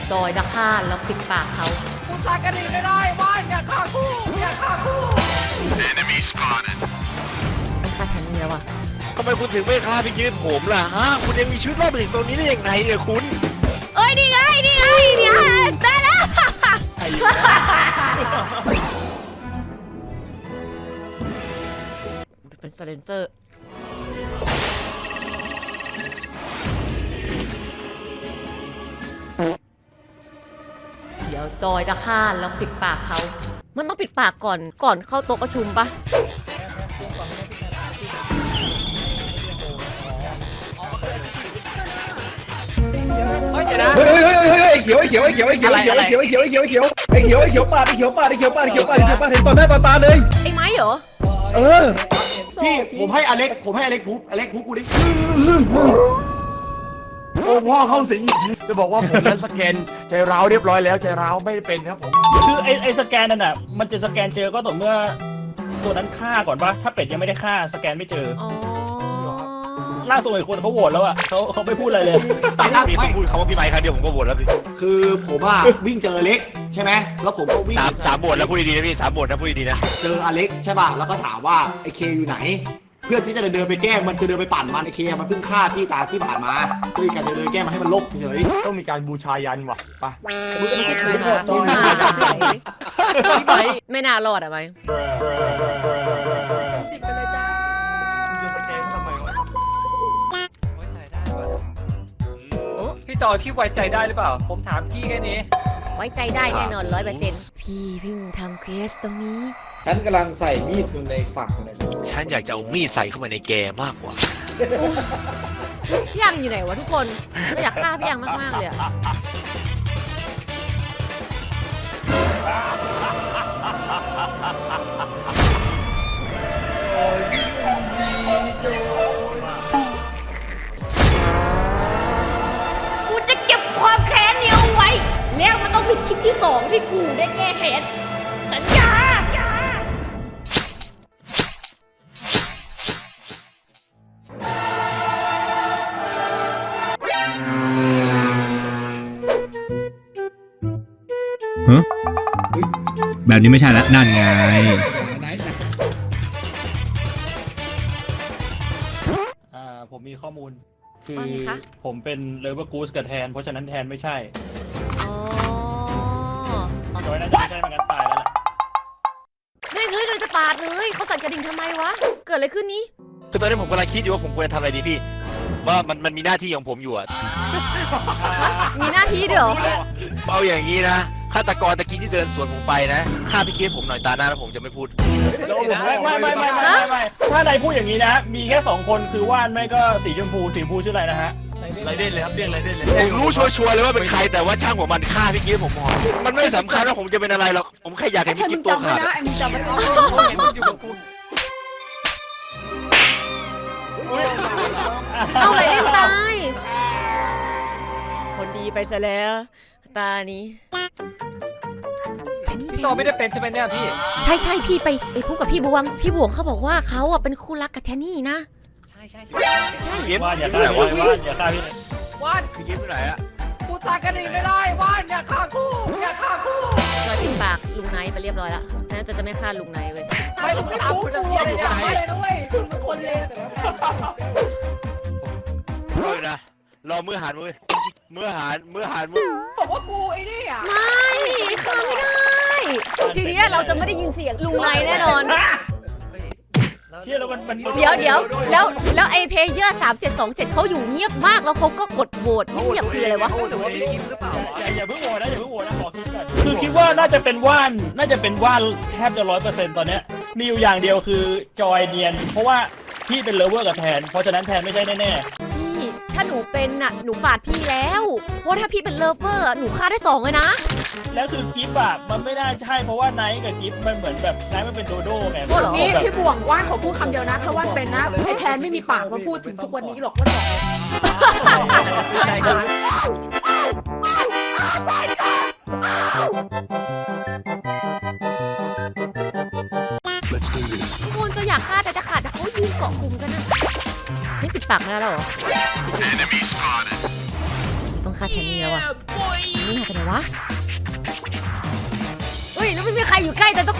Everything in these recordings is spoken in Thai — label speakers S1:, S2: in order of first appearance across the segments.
S1: จอยจะฆ่าแล้วปิดปากเขา
S2: กูตายกันอีกไม่ได้ว่านอย่าฆ่ากูอย่าฆ่ากู
S3: Enemy spotted.
S1: ต้องฆ่าแทนนี่แล้วอ่ะ
S4: ทำไมคุณถึงไม่ฆ่าพี่ยืนผมล่ะฮะคุณยังมีชีวิตรอดมาถึงตรงนี้ได้ยังไงเนี่ยคุณ
S1: เอ้ยนี่ไงเนี่ยได้แล้วเป็นไซเลนเซอร์เดี๋ยวจอยจะฆ่าแล้วปิดปากเขามันต้องปิดปากก่อนเข้าโต๊ะประชุมปะ
S2: เฮ้ยเดี๋ยวนะ
S5: เฮ้ยไอ้เขียวปาดเห็นต่อหน้าต่อตาเลย
S1: ไอ้ไม้เหรอ
S5: เออ
S6: พี่ผมให้อเล็กพูกูดิโอ้พ่อเข้าสิงจะบอกว่าผมนั้นสแกนใจร้าวเรียบร้อยแล้วใจร้าวไม่เป็นครับผม
S7: คือไอ้สแกนนั่นน่ะมันจะสแกนเจอก็ต่อเมื่อตัวนั้นฆ่าก่อนปะถ้าเป็ดยังไม่ได้ฆ่าสแกนไม่เจอ
S1: อ๋อ
S7: ล่าสุดอีกคนเขาโหวตแล้วอ่ะเขาไม่พูดอะไรเลย
S4: มีคนพูดคำว่าพี่ไมค์ครั้งเดียวผมก็โหวตแล้วพี่
S6: คือผมอะวิ่งเจออเล็กใช่ไหมแล้วผมก็วิ่ง
S4: สามโหวตแล้วพูดดีๆนะพี่3โหวตนะพูดดีๆนะ
S6: เจออเล็กใช่ป่ะแล้วก็ถามว่าไอเคอยู่ไหน เพื่อที่จะเดินไปแกล้งมันคือเดินไปปั่นมันไอเคมันเพิ่งฆ่าที่ตาที่ผ่านมาก็เลยการจะเดินแกล้งมันให้มันลบเฉยต้องมีการบูชายันว่ะไป
S1: ไม่น่ารอดอะไหม
S2: 10ไปเลยจ้า
S6: จะสแกนทำไมวะ
S2: ไว้ใจได้ป่ะพี่จอยพี่ไว้ใจได้หรือเปล่าผมถามพี่แค่นี้
S1: ไว้ใจได้แน่นอน100%พี่เพิ่งทำเควสตรงนี้
S5: ฉันกำลังใส่มีดอยู่ในฝักเลย
S4: ฉันอยากจะเอามีดใส่เข้ามาในแกมากกว่า
S1: พี่ยังอยู่ไหนวะทุกคนก็อยากฆ่าพี่ยังมากๆเลยอะกูจะเก็บความแค้นนี้เอาไว้ แล้วมันต้องเป็นคลิปที่2ที่กูได้แก้แค้นสัญญา
S8: แบบนี้ไม่ใช่ละนั่นไง
S7: ผมมีข้อมูลคือ
S1: ว่าไงคะ
S7: ผมเป็นเลเวอร์กูสกับแทนเพราะฉะนั้นแทนไม่ใช่
S1: อ๋อ
S7: จอยน่าจะไม่ใช่เหมือนกันตายแล้วแหละ
S1: เฮ้ยกำลังจะปาดเลยเขาสั่นกระดิ่งทำไมวะ เกิดอะไรขึ้นนี้
S4: คือตอนนี้ผมกำลังคิดอยู่ว่าผมควรจะทำอะไรดีพี่ ว่ามันมีหน้าที่ของผมอยู่อะ
S1: มีหน้าที่เดี๋ยว
S4: เอาอย่างนี้นะฆาตกรตะกี้ที่เดินสวนผมไปนะฆ่าพี่เคสผมหน่อยตาหน้าแล้วผมจะไม่พูด
S7: ไม่ถ้านายพูดอย่างนี้นะ มีแค่2คนคือว่านไม่ก็สีชมพูชื่ออะไรนะฮะ
S6: ไรเด่นเลยครับเด่นไรเด่นเลย
S4: ผมรู้ชัวร์ๆเลยว่าเป็นใครแต่ว่าช่างหัวมันฆ่าพี่เคสผมพอมันไม่สำคัญว่าผมจะเป็นอะไรหรอกผมแค่อยากเห็นพี่กิ๊บตัวขาด
S2: ไอ้มึงจำไม่ได้
S1: เอาอะไรได้ตาย คนดีไปซะแล้ว ตานี้
S2: พี่จอยไม่ได้เป็นใช่ไหมเนี่ยพี่
S1: ใช่พี่ไปพูดกับพี่บวงเขาบอกว่าเขาอ่ะเป็นคู่รักกับแทนนี่นะ
S2: ใช่
S1: ใช่
S4: พี่กิ๊บ
S7: ว่านอย่า
S4: ที่
S7: ฆ่า
S4: ไหน
S7: พี่
S4: วะ
S7: ว่านอย่าฆ่าพี่
S2: ว่าน
S4: พี่กิ๊บที่ไหนอะ
S2: กูตายกันอีกไม่ได้ว่านอย่าฆ่ากูอย่าฆ่ากู
S1: จอยปิดปากลุงไนท์ไปเรียบร้อยแล้วน่าจะไม่ฆ่าลุงไนท์เว้ย
S2: ไม่ลุงไม่ทำคุณจะเพี้ยนเลยเนี่ยไม่เลยด้วยคุณเป็นคนเลวแต่แล้ว
S4: รออยู่นะรอมือหันมือหัน
S2: บอกว่ากูไอ้นี่อ่ะ
S1: ไม่ฆ่าไม่ได้ ทีเนี้ยเราจะไม่ได้ยินเสียงลุงไนท์แน่นอน
S7: เชื่อแล้วมัน
S1: เดี๋ยวแล้วไอเพย์เยอร์3727เขาอยู่เงียบมากแล้วเขาก็กดโหวตเงียบๆคืออะไรวะ
S2: หรือว่าพี่กิมหรือเปล่า
S7: อย่าเพิ่งโหวตนะขอคิดก่อนคือคิดว่าน่าจะเป็นว่านแทบจะ100%ตอนเนี้ยมีอยู่อย่างเดียวคือจอยเนียนเพราะว่าพี่เป็นเลเวอร์กับแทนเพราะฉะนั้นแทนไม่ใช่แน่ๆ
S1: พี่ถ้าหนูเป็นน่ะหนูปาดพี่แล้วเพราะถ้าพี่เป็นเลิฟเวอร์หนูฆ่าได้2เลยนะ
S7: แล้วคือกิฟต์อ่ะมันไม่น่าใช่เพราะว่าไนท์กับกิฟต์มันเหมือนแบบไนท์มันเป็นโดโด้ไง
S1: โอ้เหรอ
S2: นี่
S7: แบบ
S2: พี่บ่วงว่านเขาพูดคำเดียวนะ ถ้าว่านเป็นนะไอ้แทนไม่มีปากมาพูดถึงทุกวันนี้หรอกว่าบอกใจกัน
S1: ทุกคนจะอยากฆ่าแต่จะขาดแต่เขายืนเกาะกลุ่มกันนะนี่ปิดปากไม่ได้แล้วเหรอ
S3: Enemy spotted.
S1: ต้องฆ่าแทนนี่แล้วอ่ะนี่หายไปไหนวะเฮ้ยแล้วไม่มีใครอยู่ใกล้แต่ทุกคน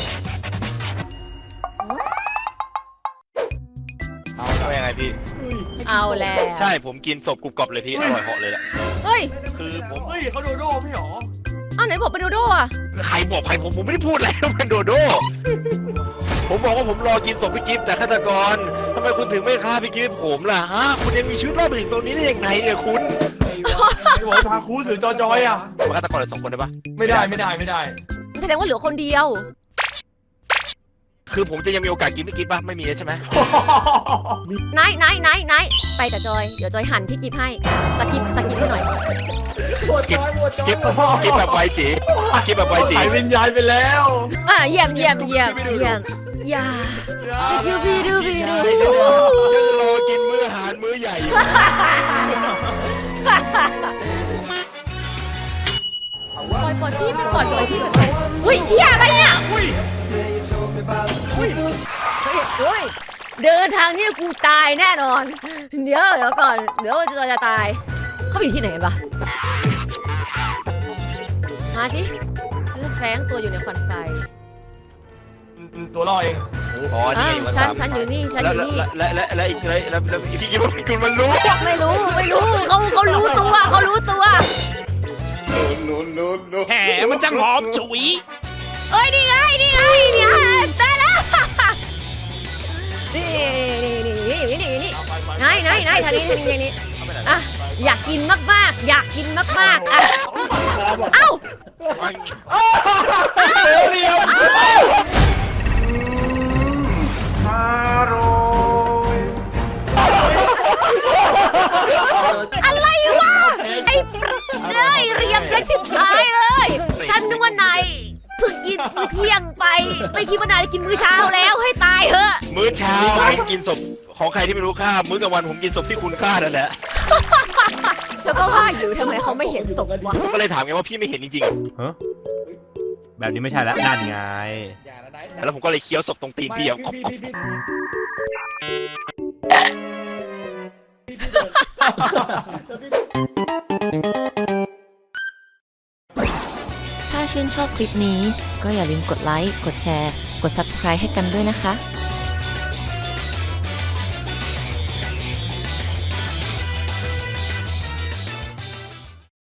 S4: เอาว่ายังไงพี่
S1: เอาแล้ว
S4: ใช่ผมกินศพกรุบกรอบเลยพี่อร่อยเหาะเลยแหละ
S1: เฮ้ย
S4: คือผม
S6: เฮ้ยเขาโดโด้พี่หรอ
S1: เอาไหนบอกเป็นโดโด้อะ
S4: ใครบอกใครผมไม่ได้พูดอะไรมันโดโด้ผมบอกว่าผมรอกินศพพี่กิฟต์แต่ฆาตกรทำไมคุณถึงไม่ฆ่าพี่กิฟต์ผมล่ะฮะคุณยังมีชีวิตรอดมาถึงตรงนี้ได้ยังไงเนี่ยคุณ
S6: ไอ้บอกทาคูหรือจอยอ่ะ
S4: มาฆาตกรเลย2 คนได้ปะ
S6: ไม่ได้ไม่ได้
S1: แสดงว่าเหลือคนเดียว
S4: คือผมจะยังมีโอกาสกินพี่กิฟต์ปะไม่มีใช่ไหม
S1: ไหนไปกับจอยเดี๋ยวจอยหั่นพี่กิฟให้สกิปให้หน่อย
S4: สกิปแบบไวจีสกิปแบบไวจี
S6: หายวิญญาณไปแล้ว
S1: เยี่ยมอย่าดูบีดู
S4: ยังรอกินมื้ออาหารมื้อใหญ่อยู่
S1: ปล่อยพี่ไปก่อนปล่อยพี่ไปก่อนอุ้ยเฮียอะไรเนี่ยอุ้ยเดินทางนี้กูตายแน่นอนเดี๋ยวก่อนเดี๋ยวจะตายเขาไปอยู่ที่ไหนกันปะมาสิฉันแฝงตัวอยู่ในควันไฟ
S6: ตัวล่อเอง
S4: อ๋อนี่ไง
S1: ฉันอยู่นี่
S4: และอีกแล้วพี่กิฟต์คุณมันรู้
S1: ไม่รู้เขารู้ตัว
S3: แหมมันจังหอมฉุย
S1: เอ้ยนี่ไงได้แล้วนี่ไหนทางนี้อ่ะอยากกินมากๆอ่ะเอ้า
S6: เดียว
S1: อะไรวะไอ้เรียบกันชิบหายเลยฉันนึกว่านายเพิ่งกินมื้อเที่ยงไปไม่คิดว่านายจะกินมื้อเช้าแล้วให้ตายเถอะ
S4: มื้อเช้าผมกินศพของใครที่ไม่รู้ค่ามื้อกลางวันผมกินศพที่คุณฆ่านั่นแหละ
S1: เจ้าก็ว่าอยู่ทำไมเขาไม่เห็นศพวะ
S4: ผมก็เลยถามไงว่าพี่ไม่เห็นจริง
S8: แบบนี้ไม่ใช่แล้วนั่นไง
S4: ๆแล้วผมก็เลยเคี้ยวศพตรงตีนพี่อ่ะ
S1: ถ้าชื่นชอบคลิปนี้ก็อย่าลืมกดไลค์ กดแชร์ กด Subscribe ให้กันด้วยนะคะ